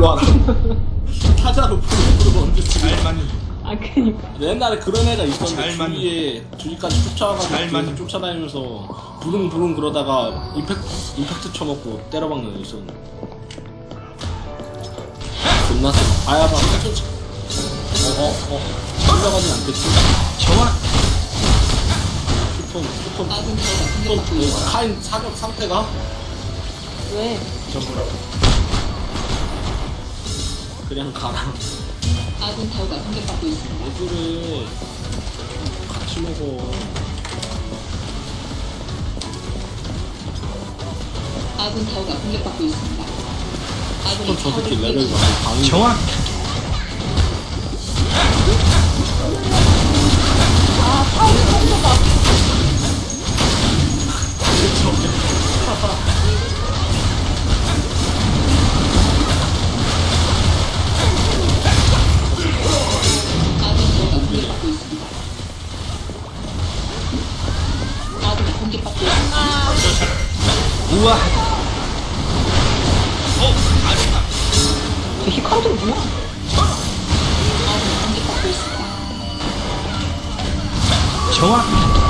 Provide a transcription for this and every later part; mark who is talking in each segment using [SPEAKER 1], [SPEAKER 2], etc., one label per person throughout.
[SPEAKER 1] 풀로 하나. 타자로 풀로 언제 치고.
[SPEAKER 2] 잘 맞는
[SPEAKER 3] 아 그니까.
[SPEAKER 1] 옛날에 그런 애가 있었는데
[SPEAKER 2] 잘 맞는-
[SPEAKER 1] 주위에 주위까지 쫓아와가지고
[SPEAKER 2] 잘
[SPEAKER 1] 뒤에서
[SPEAKER 2] 맞는-
[SPEAKER 1] 쫓아다니면서 부릉부릉 그러다가 임팩트 쳐먹고 때려박는 애 있었는데 존나 세. 아야봐 천천히. 올라가진 않겠지.
[SPEAKER 2] 정확
[SPEAKER 1] 슈톤 카인 사격 상태가
[SPEAKER 3] 왜?
[SPEAKER 2] 전부라고
[SPEAKER 1] 그냥 가라.
[SPEAKER 4] 아군 타워가 공격받고 있습니다.
[SPEAKER 1] 왜 그래. 같이 먹어.
[SPEAKER 4] 아군 타워가 공격받고 있습니다. 아군이
[SPEAKER 1] 슈톤 저 새끼
[SPEAKER 4] 타워를
[SPEAKER 1] 레벨
[SPEAKER 4] 공격-
[SPEAKER 1] 많이 강해.
[SPEAKER 2] 정확
[SPEAKER 3] 아 타오르 성도가.
[SPEAKER 4] 아군 타워가 공격받고 있습니다. 아군이 공격받고 있습니다.
[SPEAKER 2] 우와
[SPEAKER 3] 저 히칸도 뭐야?
[SPEAKER 4] 아군이 공격받고 있습니다.
[SPEAKER 2] 정확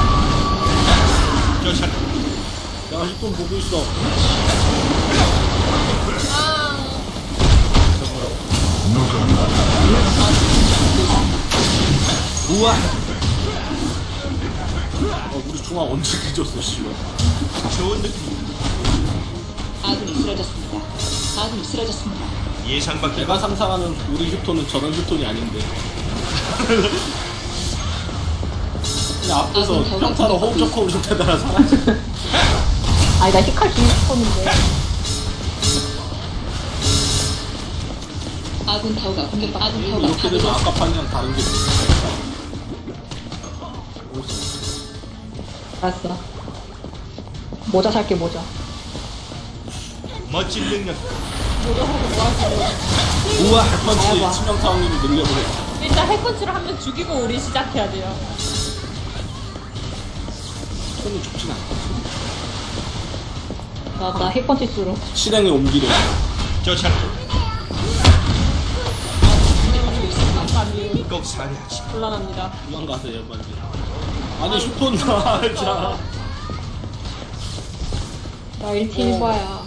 [SPEAKER 2] 쫓아
[SPEAKER 1] 내가 슈톤 보고 있어.
[SPEAKER 2] 우와
[SPEAKER 1] 우리 중앙 언제 뒤졌어 씨발.
[SPEAKER 2] 좋은 느낌
[SPEAKER 4] 아군이 쓰러졌습니다. 아군이 쓰러졌습니다.
[SPEAKER 2] 예상 밖의
[SPEAKER 1] 내가 상상하는 우리 휴톤은 저런 휴톤이 아닌데. 그냥 앞에서 평타로 홈저커 우승태다가 사라져.
[SPEAKER 3] 아니 나 히칼 주고 싶었는데.
[SPEAKER 4] 아군 타워가 공격받고 아군 타워가
[SPEAKER 1] 이렇게 되면
[SPEAKER 4] 파괴되었습니다.
[SPEAKER 1] 아까 판이랑 다른 게 있어.
[SPEAKER 3] 알았어. 모자 살게 모자.
[SPEAKER 2] 멋진 능력
[SPEAKER 3] 모자 사고 뭐 하지?
[SPEAKER 2] 우와
[SPEAKER 1] 펀치
[SPEAKER 3] 아야봐.
[SPEAKER 1] 치명타 확률을 늘려버려.
[SPEAKER 5] 일단 핵펀치를 한 명 죽이고 우리 시작해야 돼요.
[SPEAKER 1] 손이 죽진 않거든.
[SPEAKER 3] 나 핵펀치 쓰러.
[SPEAKER 1] 실행에 옮기려.
[SPEAKER 2] 쫓아
[SPEAKER 5] 잠깐만요.
[SPEAKER 2] 꼭 살해하지
[SPEAKER 5] 곤란합니다.
[SPEAKER 1] 도망가세요 빨리. 아니 슈톤 나알자.
[SPEAKER 3] 나 1팀 1바야.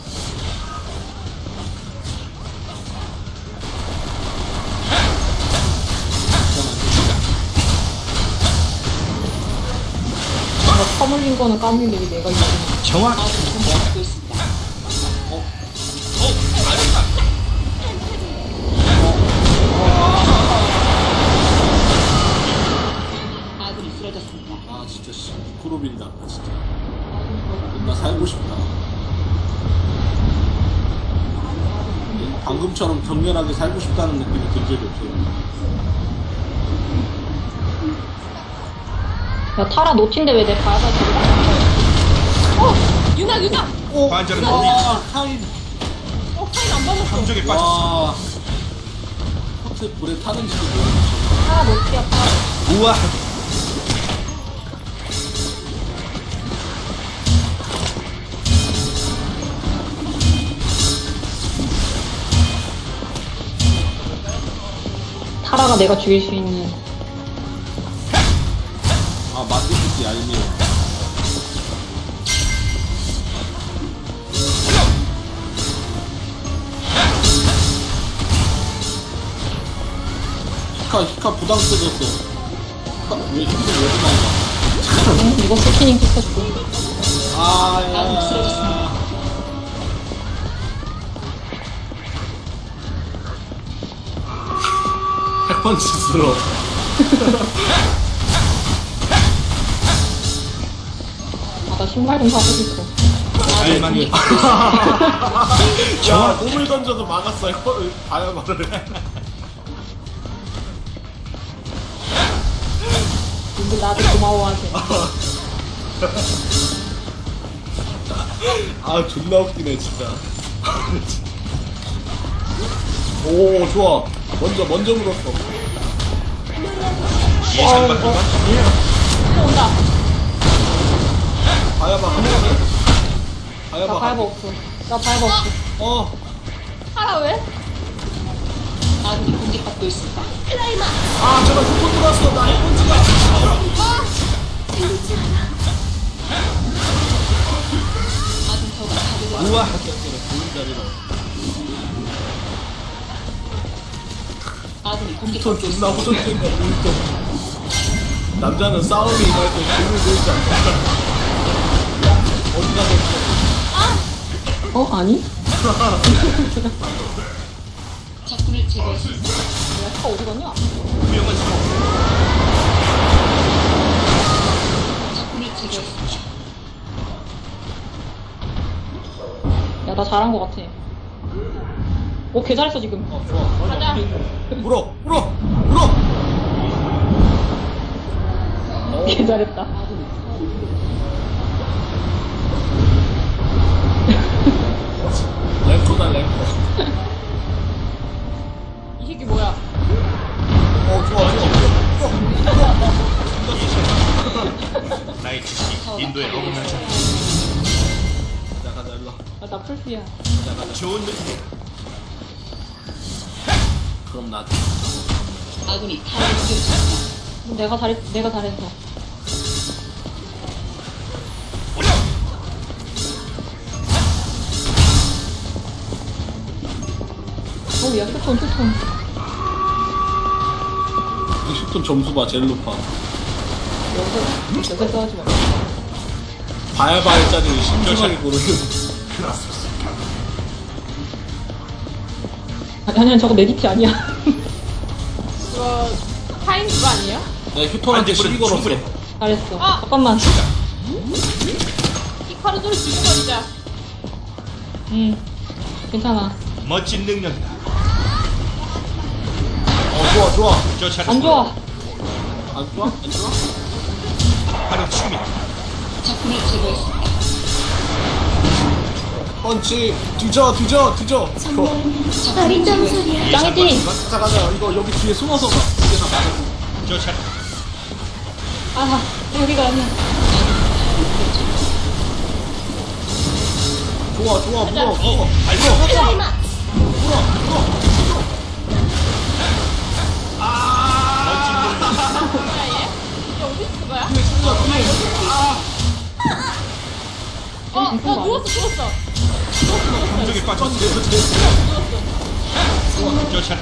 [SPEAKER 3] 나 터물린 거는 까물리게 내가 이기는.
[SPEAKER 2] 정확
[SPEAKER 4] 아군이 공격받고 있습니다. 아군이 쓰러졌습니다.
[SPEAKER 1] 아 진짜 씨 쿠로빈다 진짜. 나 살고 싶다. 방금처럼 격렬하게 살고 싶다는 느낌이 든 적이 없어요.
[SPEAKER 3] 야 타라 노친데 왜 내 밟아주고.
[SPEAKER 5] 유나 유나.
[SPEAKER 2] 관절은 어디
[SPEAKER 1] 와 카인.
[SPEAKER 5] 타임 안 받았어.
[SPEAKER 2] 함정에 빠졌어
[SPEAKER 1] 와. 커트 불에 타는지도 모르겠어.
[SPEAKER 3] 타라 노치야 타라.
[SPEAKER 2] 우와
[SPEAKER 3] 타라가 내가 죽일 수 있는.
[SPEAKER 1] 아 마티스 얄미워. 히카 부담 쓰졌어. 히카 왜 히카 왜 부담이야?
[SPEAKER 3] 응, 이거 스키닝 시켰어.
[SPEAKER 4] 아군이
[SPEAKER 1] 아야.
[SPEAKER 4] 쓰러졌습니다.
[SPEAKER 1] 핵펀치 쓸어.
[SPEAKER 3] 아, 나 신발 좀 사고 싶어.
[SPEAKER 2] 잘 맞는
[SPEAKER 1] 야 몸을 던져도 막았어. 아야마를.
[SPEAKER 3] 근데 나한테 고마워하세요.
[SPEAKER 1] 아 존나 웃기네 진짜. 오 좋아. 먼저 물었어.
[SPEAKER 2] 예상 밖의
[SPEAKER 5] 또 온다.
[SPEAKER 1] 아야마 한 번에.
[SPEAKER 3] 나
[SPEAKER 1] 아야마.
[SPEAKER 3] 밟아 없어. 나 밟아 없어.
[SPEAKER 1] 어.
[SPEAKER 5] 하라 왜?
[SPEAKER 4] 공격받고 있습니다.
[SPEAKER 1] 아 제발 휴톤 들어왔어. 나 해본지가.
[SPEAKER 4] 아군 타워가 파괴되었습니다.
[SPEAKER 2] 우와.
[SPEAKER 1] 좋은 자리로.
[SPEAKER 4] 아군이
[SPEAKER 1] 휴톤
[SPEAKER 4] 공격받고
[SPEAKER 1] 존나
[SPEAKER 4] 있습니다.
[SPEAKER 1] 호전적인가 보이죠. 남자는 싸움이 임할 때 돈을 들지 않는다. 어디 가서
[SPEAKER 3] 아니?
[SPEAKER 4] 적군을 제거했습니다.
[SPEAKER 3] 차 어디 갔냐?
[SPEAKER 2] 구형은 성공.
[SPEAKER 4] 적군을 제거했습니다.
[SPEAKER 3] 야, 나 잘한 거 같아. 오, 개 잘했어, 지금.
[SPEAKER 1] 좋아.
[SPEAKER 5] 가자.
[SPEAKER 1] 물어.
[SPEAKER 3] 개 잘했다.
[SPEAKER 1] 랭커다 랭커.
[SPEAKER 5] 이 새끼 뭐야?
[SPEAKER 1] 좋아.
[SPEAKER 2] 나의 지식이 인도에 어긋나지 않아.
[SPEAKER 1] 가자 일로.
[SPEAKER 3] 아, 나 풀피야.
[SPEAKER 2] 좋은 느낌.
[SPEAKER 1] 그럼 나.
[SPEAKER 4] 아군이 타워를 공격했습니다.
[SPEAKER 3] 내가 잘했어. 야, 휴톤.
[SPEAKER 1] 이 휴톤 점수 봐 제일 높아.
[SPEAKER 3] 여기서 하지 마.
[SPEAKER 1] 바야바야짜리 신중하게 고르는.
[SPEAKER 3] 아니야, 저거 내 DP 아니야.
[SPEAKER 5] 그거 타임 그거 아니에요?
[SPEAKER 1] 내가 휴톤한테 시비 걸었어.
[SPEAKER 2] 충분해.
[SPEAKER 3] 잘했어.
[SPEAKER 5] 아!
[SPEAKER 3] 잠깐만.
[SPEAKER 5] 히카루도를 죽여버리자.
[SPEAKER 3] 괜찮아.
[SPEAKER 2] 멋진 능력이다.
[SPEAKER 1] 좋아.
[SPEAKER 2] 쫓아라.
[SPEAKER 3] 안 좋아.
[SPEAKER 1] 안 좋아?
[SPEAKER 2] 바로 춤이.
[SPEAKER 4] 적군을 제거했습니다.
[SPEAKER 1] 펀치 뒤져.
[SPEAKER 4] 적군을 제거했습니다.
[SPEAKER 3] 짱이지?
[SPEAKER 1] 가자. 이거 여기 뒤에 숨어서 가. 이게 다 맞아.
[SPEAKER 2] 쫓아라.
[SPEAKER 3] 아, 여기가 아니야.
[SPEAKER 1] 좋아. 물어.
[SPEAKER 5] 뭐야 얘? 얘 어디 있는 거야? 나 누웠어.
[SPEAKER 2] 감정에 빠졌어. 쫓아라.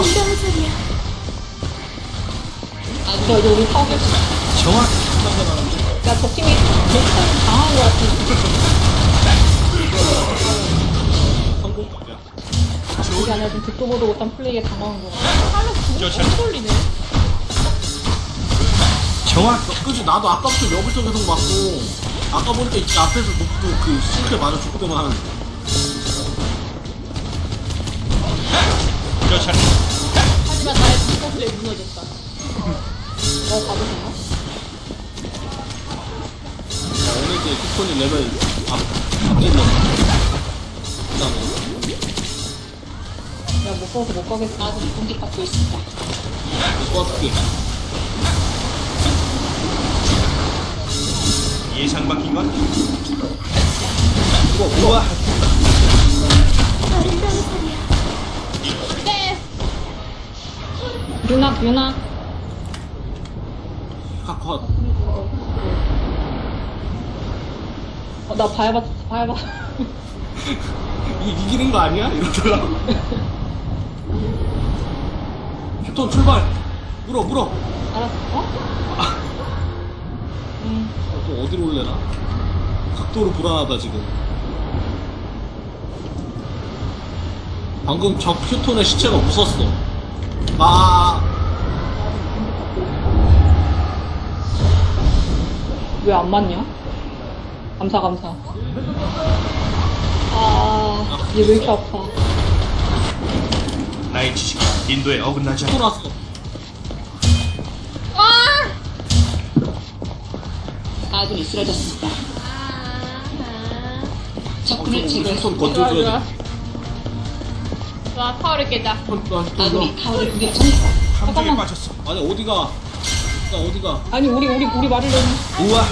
[SPEAKER 3] 저 이제 우리 타워 깼어.
[SPEAKER 2] 정확.
[SPEAKER 3] 야, 저 팀이 당한 거 같아.
[SPEAKER 1] 성공.
[SPEAKER 3] 그게 아니라 좀 듣도 보도 못한 플레이에 당황한 거 같아.
[SPEAKER 5] 팔로 구멍
[SPEAKER 2] 쫓아라.
[SPEAKER 5] 못 돌리네.
[SPEAKER 2] 정확.
[SPEAKER 1] 그치 나도 아까부터 여기서 계속 맞고 아까 보니까 이 앞에서 녹도 그 싱크에 맞아 죽더만.
[SPEAKER 2] 쫓아라.
[SPEAKER 5] 하지만 나의 구멍 플레이 무너졌다.
[SPEAKER 3] 받으셨나?
[SPEAKER 1] 오늘 이제 휴톤이 레벨 앞질렀어. 그다음에
[SPEAKER 3] 야, 못 가서 못 가겠어.
[SPEAKER 4] 아군이 공격받고 있습니다.
[SPEAKER 1] 도와줄게.
[SPEAKER 2] 예상 바뀐 건?
[SPEAKER 1] 우와.
[SPEAKER 5] 네.
[SPEAKER 3] 유나.
[SPEAKER 1] 컷.
[SPEAKER 3] 나 봐야봐.
[SPEAKER 1] 이기는 거 아니야? 이러더라. 휴톤 출발. 물어.
[SPEAKER 3] 알았어.
[SPEAKER 1] 또 어디로 올래나? 각도로 불안하다 지금. 방금 적 휴톤의 시체가 웃었어.
[SPEAKER 3] 왜 안 맞냐? 감사. 얘 왜 이렇게 아파?
[SPEAKER 2] 나의 지식이 인도에 어긋나지
[SPEAKER 1] 휴톤
[SPEAKER 2] 않아.
[SPEAKER 1] 왔어.
[SPEAKER 4] 아군이 쓰러졌습니다. 적군을
[SPEAKER 1] 휴톤
[SPEAKER 4] 제거했습니다.
[SPEAKER 1] 건져줘야 돼.
[SPEAKER 5] 와 타워를 깨자.
[SPEAKER 4] 아군이 타워를 공격합니다.
[SPEAKER 2] 감정에 빠졌어.
[SPEAKER 1] 아니 어디가?
[SPEAKER 3] 아니, 우리 말을 너무.
[SPEAKER 2] 우와.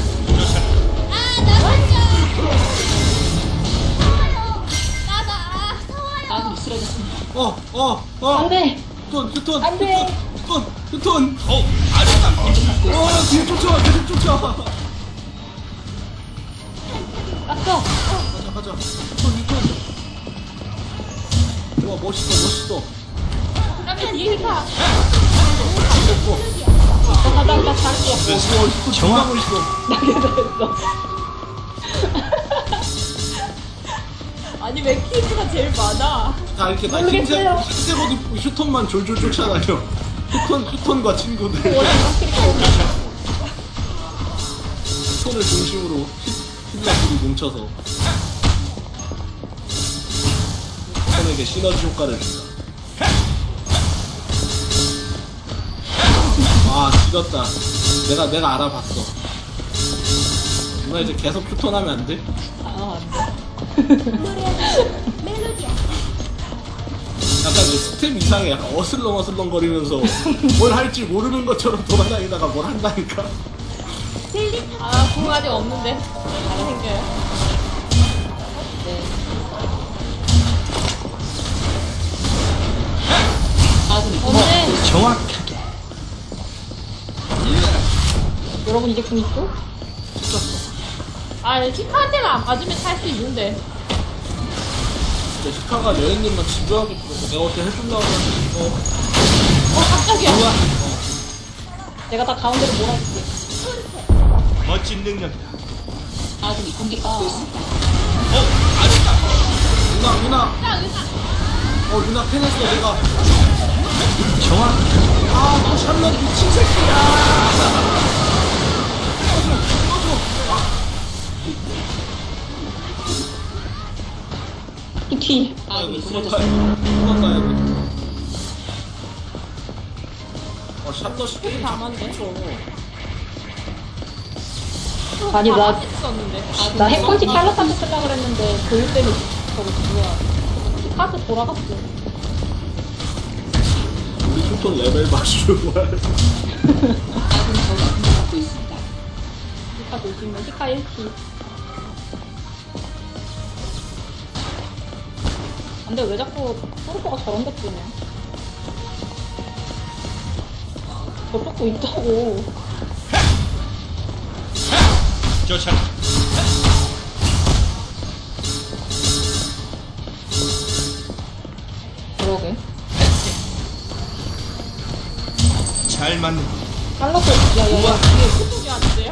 [SPEAKER 2] 쫓아라.
[SPEAKER 4] 쓰러졌습니다.
[SPEAKER 3] 안돼.
[SPEAKER 1] 휴톤.
[SPEAKER 3] 안 돼.
[SPEAKER 1] 휴톤.
[SPEAKER 2] 아름답군.
[SPEAKER 1] 뒤에 쫓아와, 계속 쫓아와.
[SPEAKER 3] 갔어.
[SPEAKER 1] 가자. 휴톤. 와, 멋있어.
[SPEAKER 5] 그러면 뒤에 가.
[SPEAKER 3] 나 잘할게.
[SPEAKER 1] 휴톤
[SPEAKER 2] 정확.
[SPEAKER 1] 정말 멋있어.
[SPEAKER 3] 나게 됐어.
[SPEAKER 5] 아니 왜 키즈가 제일 많아?
[SPEAKER 1] 다 이렇게 다
[SPEAKER 3] 모르겠어요.
[SPEAKER 1] 흰색 옷 입고 휴톤만 졸졸 쫓아다녀. 휴톤과 친구들. 휴톤을 중심으로 흰색들이 뭉쳐서 휴톤에게 시너지 효과를 준다. 아, 지렸다. 내가 알아봤어. 누나 이제 계속 휴톤하면 안 돼?
[SPEAKER 3] 아,
[SPEAKER 1] 약간 이제 스텝 이상에 약간 어슬렁 거리면서 뭘 할지 모르는 것처럼 돌아다니다가 뭘 한다니까.
[SPEAKER 5] 아, 공 아직 없는데. 잘 생겨요.
[SPEAKER 3] 네.
[SPEAKER 4] 아군이
[SPEAKER 3] 언제?
[SPEAKER 2] 정확하게.
[SPEAKER 3] 여러분 이제 궁 있죠?
[SPEAKER 5] 아, 키카한테만 안 맞으면 살 수 있는데.
[SPEAKER 1] 진짜 시카가 여행님만 집요하게 부르고 내가 어떻게 해준다고 하는데
[SPEAKER 5] 깜짝이야.
[SPEAKER 1] 뭐야?
[SPEAKER 3] 내가 다 가운데로 몰아줄게.
[SPEAKER 2] 멋진 능력이다.
[SPEAKER 4] 아군이 공격받고 있습니다.
[SPEAKER 2] 아름답군.
[SPEAKER 1] 누나 누나 패냈어 내가.
[SPEAKER 2] 정확.
[SPEAKER 1] 아, 샬럿 미친 새끼야.
[SPEAKER 3] 이 뒤.
[SPEAKER 4] 아군이
[SPEAKER 1] 도망가야
[SPEAKER 4] 쓰러졌습니다.
[SPEAKER 1] 돼. 샬럿이 게임
[SPEAKER 5] 담았네.
[SPEAKER 3] 아니, 나
[SPEAKER 5] 썼는데.
[SPEAKER 3] 핵펀치 샬럿한테 쓰려고 그랬는데 교육 때문에 저거 뭐야. 카드 돌아갔어.
[SPEAKER 1] 우리 휴톤 레벨 맞추는 거야.
[SPEAKER 4] 아군이 저가 공격받고 있습니다.
[SPEAKER 3] 히카 조심해. 히카 1키. 근데 왜 자꾸 토르코가 저런 데 뜨냐? 저쪽도 있다고.
[SPEAKER 2] 쫓아.
[SPEAKER 3] 그러게.
[SPEAKER 2] 잘 맞는.
[SPEAKER 3] 샬럿을, 야.
[SPEAKER 5] 소리 안 돼요?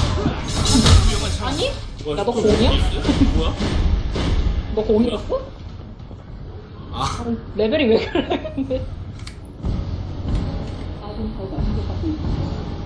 [SPEAKER 5] 아니?
[SPEAKER 3] 야, 너 공이야?
[SPEAKER 1] 뭐야?
[SPEAKER 3] 너 공이었어?
[SPEAKER 1] 아,
[SPEAKER 3] 레벨이 왜 그래, 근데.
[SPEAKER 4] 아군 저가 공격받고 있습니다.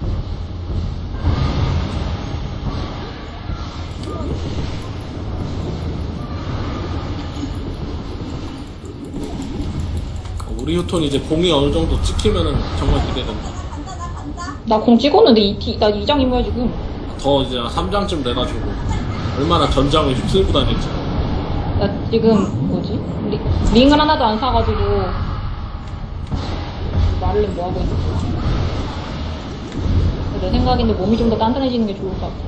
[SPEAKER 1] 우리 휴톤 이제 공이 어느 정도 찍히면은 정말 기대된다.
[SPEAKER 3] 나 공 찍었는데 나 2장 임무야, 지금.
[SPEAKER 1] 더 이제 3장쯤 돼가지고 얼마나 전장을 휩쓸고 다닐지.
[SPEAKER 3] 나 지금, 뭐지? 링을 하나도 안 사가지고. 말을 뭐 하고 있는 거야. 내 생각인데 몸이 좀 더 단단해지는 게 좋을 것 같아.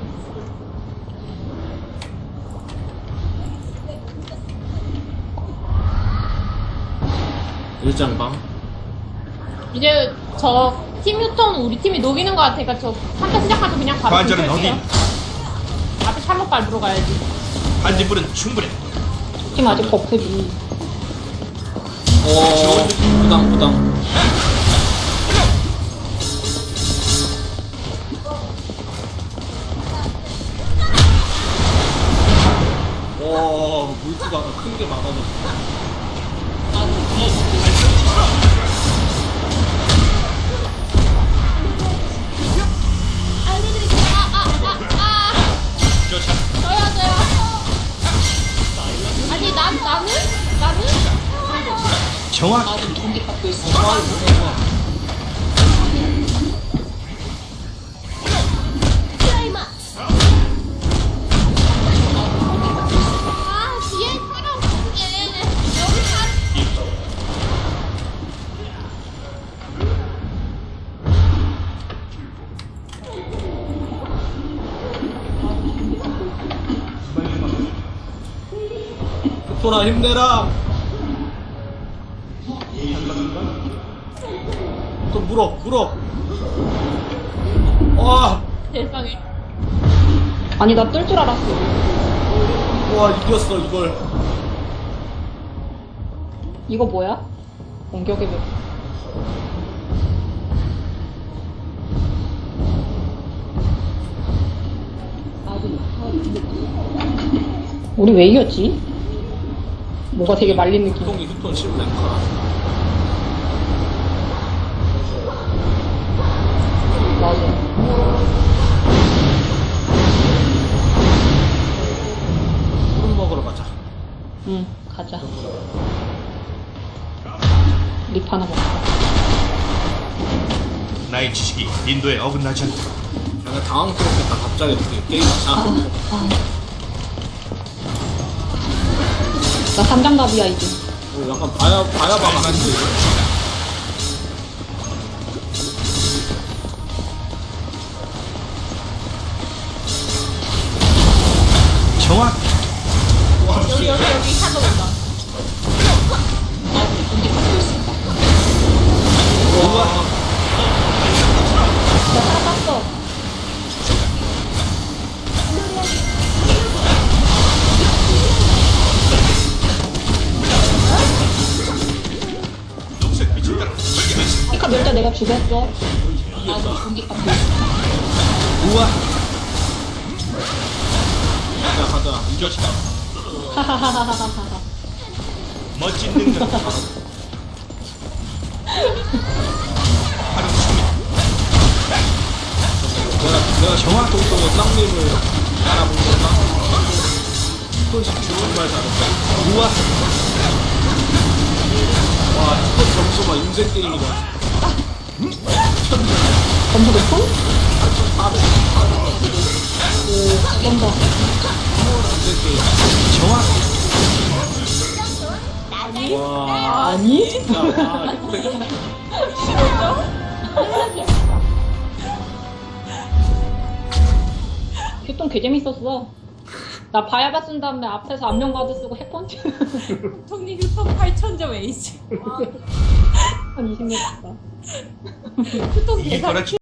[SPEAKER 1] 일장방.
[SPEAKER 5] 이제 저 팀 휴톤 우리 팀이 녹이는 것 같으니까 저 3차 시작하면 그냥 바로
[SPEAKER 2] 관절은
[SPEAKER 5] 공격할게요.
[SPEAKER 2] 어디?
[SPEAKER 5] 앞에 샬롯 밟으러 가야지.
[SPEAKER 2] 반딧불은 충분해.
[SPEAKER 3] 팀 아직 버프지.
[SPEAKER 1] 부당. 물기가 큰 게 막아졌어.
[SPEAKER 2] 쫓아.
[SPEAKER 5] 저요. 아니 나는?
[SPEAKER 2] 정확.
[SPEAKER 4] 아군이 공격받고 있습니다.
[SPEAKER 5] 아 뒤에 사람 없는 게 여기 다
[SPEAKER 1] 휴톤아 힘내라. 휴톤 물어. 와,
[SPEAKER 5] 세상에.
[SPEAKER 3] 아니, 나 뜰 줄 알았어.
[SPEAKER 1] 와 이겼어 이걸.
[SPEAKER 3] 이거 뭐야? 공격의 벽.
[SPEAKER 4] 아군이 타워를 공격하고 있습니다.
[SPEAKER 3] 우리 왜 이겼지? 뭐가 되게 말린 느낌.
[SPEAKER 1] 휴톤 10랭카.
[SPEAKER 3] 맞아.
[SPEAKER 1] 푸른 먹으러 가자.
[SPEAKER 3] 응, 가자. 립 하나 먹자.
[SPEAKER 2] 나의 지식이 인도에 어긋나지 않다.
[SPEAKER 1] 내가 당황스럽겠다 갑자기 이렇게 게임 아.
[SPEAKER 3] 나 삼장갑이야, 이제.
[SPEAKER 1] 약간 봐야
[SPEAKER 2] 잘
[SPEAKER 1] 봐.
[SPEAKER 2] 만든 정확.
[SPEAKER 5] 여기 샤도 온다.
[SPEAKER 4] 아군이 공격받고 있습니다.
[SPEAKER 3] 나 살았어.
[SPEAKER 2] 녹색 빛을 따라
[SPEAKER 3] 피카 멸자 내가 죽였어.
[SPEAKER 4] 아군이 공격받고 있습니다.
[SPEAKER 2] 우와.
[SPEAKER 1] 가자.
[SPEAKER 2] 이것이다.
[SPEAKER 3] 하하하하하하.
[SPEAKER 2] 멋진 능력. 바로 승리.
[SPEAKER 1] 내가 정확 동동의 쌍님을 알아본 거다. 손씩 정말 잘했어.
[SPEAKER 2] 우와.
[SPEAKER 1] 와 이거 점수 봐 인생 게임이다.
[SPEAKER 3] 점수 높음? 좀 더.
[SPEAKER 1] 인생 게임.
[SPEAKER 2] 정확.
[SPEAKER 1] 와.
[SPEAKER 3] 아니?
[SPEAKER 1] 진짜 와 이거
[SPEAKER 3] 휴통 개 재밌었어. 나 바야바 쓴 다음에 앞에서 안면가드 쓰고 핵펀치.
[SPEAKER 5] 총리 휴통 8,000점 에이지.
[SPEAKER 3] 한 20년 됐다.
[SPEAKER 5] 휴통
[SPEAKER 2] 이게
[SPEAKER 5] 대상
[SPEAKER 2] 거라지.